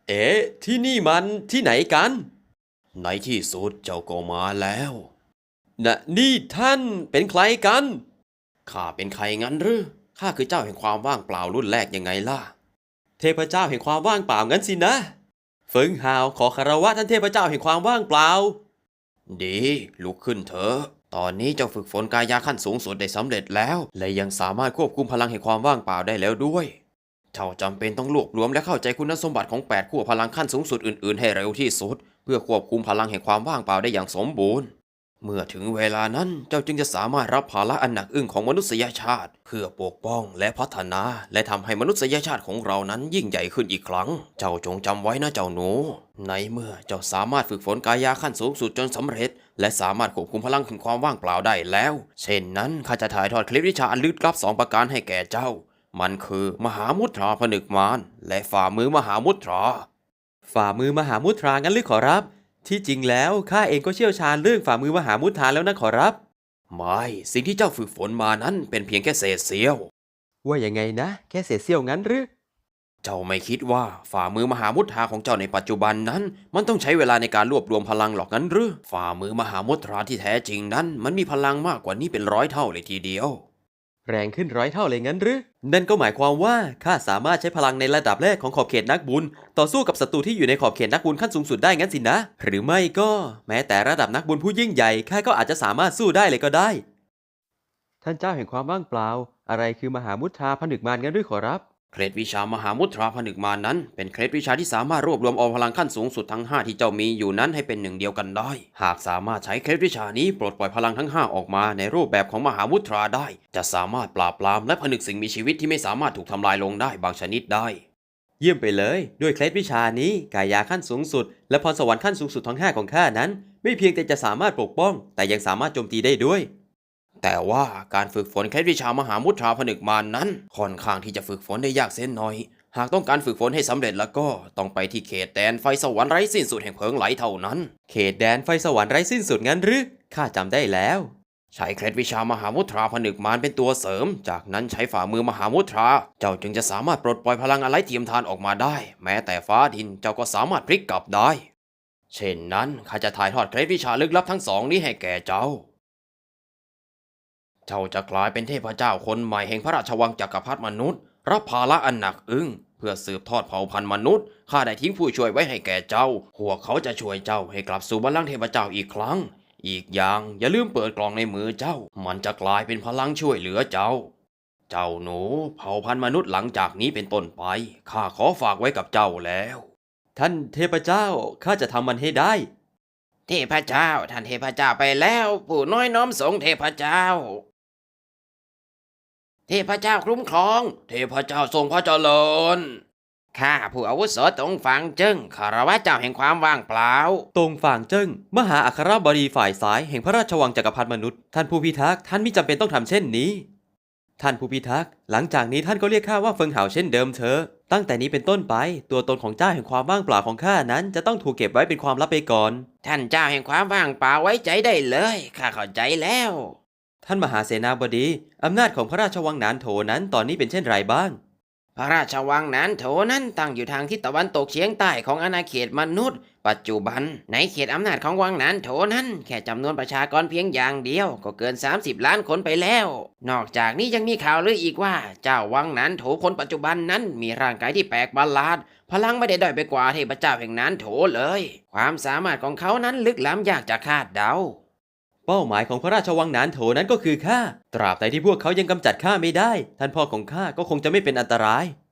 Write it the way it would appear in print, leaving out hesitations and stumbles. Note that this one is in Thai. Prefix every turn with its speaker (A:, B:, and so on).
A: เอ๊ะที่นี่มันที่ไหนกันในที่สุดเจ้าก็มาแล้วนี่ท่านเป็นใครกันข้าเป็นใครงั้นหรือข้าคือเจ้าแห่งความว่างเปล่ารุ่นแรกยังไงล่ะเทพเจ้าแห่งความว่างเปล่างั้นสินะเฟิงฮาวขอคารวะท่านเทพเจ้าแห่งความว่างเปล่าดีลุกขึ้นเถอะตอนนี้เจ้าฝึกฝนกายาขั้นสูงสุดได้สำเร็จแล้วและยังสามารถควบคุมพลังแห่งความว่างเปล่าได้แล้วด้วยเจ้าจำเป็นต้องรวบรวมและเข้าใจคุณสมบัติของ8ขั้วพลังขั้นสูงสุดอื่นๆให้เร็วที่สุดเพื่อควบคุมพลังแห่งความว่างเปล่าได้อย่างสมบูรณ์เมื่อถึงเวลานั้นเจ้าจึงจะสามารถรับภาระอันหนักอึ้งของมนุษยชาติเพื่อปกป้องและพัฒนาและทำให้มนุษยชาติของเรานั้นยิ่งใหญ่ขึ้นอีกครั้งเจ้าจงจำไว้นะเจ้าหนูในเมื่อเจ้าสามารถฝึกฝนกายาขั้นสูงสุดจนสำเร็จและสามารถควบคุมพลังแห่งความว่างเปล่าได้แล้วเช่นนั้นข้าจะถ่ายทอดเคล็ดวิชาอันลึกลับ2ประการให้แก่เจ้ามันคือมหามุตราผนึกมารและฝ่ามือมหามุตราฝ่ามือมหามุตรางั้นหรือขอรับที่จริงแล้วข้าเองก็เชี่ยวชาญเรื่องฝ่ามือมหามุตราแล้วนะขอรับไม่สิ่งที่เจ้าฝึกฝนมานั้นเป็นเพียงแค่เศษเสี้ยวว่ายังไงนะแค่เศษเสี้ยวงั้นหรือเจ้าไม่คิดว่าฝ่ามือมหามุตราของเจ้าในปัจจุบันนั้นมันต้องใช้เวลาในการรวบรวมพลังหรอกงั้นหรือฝ่ามือมหามุตราที่แท้จริงนั้นมันมีพลังมากกว่านี้เป็น100 เท่าเลยทีเดียวแรงขึ้น100 เท่าเลยงั้นหรือนั่นก็หมายความว่าข้าสามารถใช้พลังในระดับแรกของขอบเขตนักบุญต่อสู้กับศัตรูที่อยู่ในขอบเขตนักบุญขั้นสูงสุดได้งั้นสินะหรือไม่ก็แม้แต่ระดับนักบุญผู้ยิ่งใหญ่ข้าก็อาจจะสามารถสู้ได้เลยก็ได้ท่านเจ้าแห่งความว่างเปล่าอะไรคือมหามุทราผนึกมารงั้นหรือขอรับเคล็ดวิชามหามุตราผนึกมารนั้นเป็นเคล็ดวิชาที่สามารถรวบรวมเอาพลังขั้นสูงสุดทั้ง5ที่เจ้ามีอยู่นั้นให้เป็นหนึ่งเดียวกันได้หากสามารถใช้เคล็ดวิชานี้ปลดปล่อยพลังทั้ง5ออกมาในรูปแบบของมหามุตราได้จะสามารถปราบปรามและผนึกสิ่งมีชีวิตที่ไม่สามารถถูกทำลายลงได้บางชนิดได้เยี่ยมไปเลยด้วยเคล็ดวิชานี้กายาขั้นสูงสุดและพรสวรรค์ขั้นสูงสุดทั้ง5ของข้านั้นไม่เพียงแต่จะสามารถปกป้องแต่ยังสามารถโจมตีได้ด้วยแต่ว่าการฝึกฝนเคล็ดวิชามหามุตราผนึกมารนั้นค่อนข้างที่จะฝึกฝนได้ยากเส้นหน่อยหากต้องการฝึกฝนให้สำเร็จแล้วก็ต้องไปที่เขตแดนไฟสวรรค์ไร้สิ้นสุดแห่งเพลิงไหลเท่านั้นเขตแดนไฟสวรรค์ไร้สิ้นสุดงั้นหรือข้าจำได้แล้วใช้เคล็ดวิชามหามุตราผนึกมารเป็นตัวเสริมจากนั้นใช้ฝ่ามือมหามุตราเจ้าจึงจะสามารถปลดปล่อยพลังอะไรเทียมทานออกมาได้แม้แต่ฟ้าดินเจ้าก็สามารถพลิกกลับได้เช่นนั้นข้าจะถ่ายทอดเคล็ดวิชาลึกลับทั้ง2นี้ให้แก่เจ้าเจ้าจะกลายเป็นเทพเจ้าคนใหม่แห่งพระราชวังจักรพรรดิมนุษย์รับภาระอันหนักอึ้งเพื่อสืบทอดเผ่าพันธุ์มนุษย์ข้าได้ทิ้งผู้ช่วยไว้ให้แก่เจ้าพวกเขาจะช่วยเจ้าให้กลับสู่บัลลังก์เทพเจ้าอีกครั้งอีกอย่างอย่าลืมเปิดกล่องในมือเจ้ามันจะกลายเป็นพลังช่วยเหลือเจ้าเจ้าหนูเผ่าพันธุ์มนุษย์หลังจากนี้เป็นต้นไปข้าขอฝากไว้กับเจ้าแล้วท่านเทพเจ้าข้าจะทำมันให้ได้เทพเจ้าท่านเทพเจ้าไปแล้วปู่น้อยน้อมสงเทพเจ้าเทพเจ้าคุ้มครองเทพเจ้าทรงพระเจริญข้าผู้อาวุโสตงฝางเจิ้งคารวะเจ้าแห่งความว่างเปล่าตงฝางเจิ้งมหาอัครบดีฝ่ายซ้ายแห่งพระราชวังจักรพรรดิมนุษย์ท่านผู้พิทักษ์ท่านมิจำเป็นต้องทำเช่นนี้ท่านผู้พิทักษ์หลังจากนี้ท่านก็เรียกข้าว่าเฟิงเหาเช่นเดิมเถอะตั้งแต่นี้เป็นต้นไปตัวตนของเจ้าแห่งความว่างเปล่าของข้านั้นจะต้องถูกเก็บไว้เป็นความลับไปก่อนท่านเจ้าแห่งความว่างเปล่าไว้ใจได้เลยข้าเข้าใจแล้วท่านมหาเสนาบดีอำนาจของพระราชวังหนานโถนั้นตอนนี้เป็นเช่นไรบ้างพระราชวังหนานโถนั้นตั้งอยู่ทางทิศตะวันตกเฉียงใต้ของอาณาเขตมนุษย์ปัจจุบันในเขตอำนาจของวังหนานโถนั้นแค่จำนวนประชากรเพียงอย่างเดียวก็เกิน30 ล้านคนไปแล้วนอกจากนี้ยังมีข่าวลืออีกว่าเจ้าวังหนานโถคนปัจจุบันนั้นมีร่างกายที่แปลกประหลาดพลังไม่ได้ด้อยไปกว่าเทพเจ้าแห่งหนานโถเลยความสามารถของเขานั้นลึกล้ำยากจะคาดเดาเป้าหมายของพระราชวังหนานโถนั้นก็คือข้าตราบใดที่พวกเขายังกำจัดข้าไม่ได้ท่านพ่อของข้าก็คงจะไม่เป็นอันตราย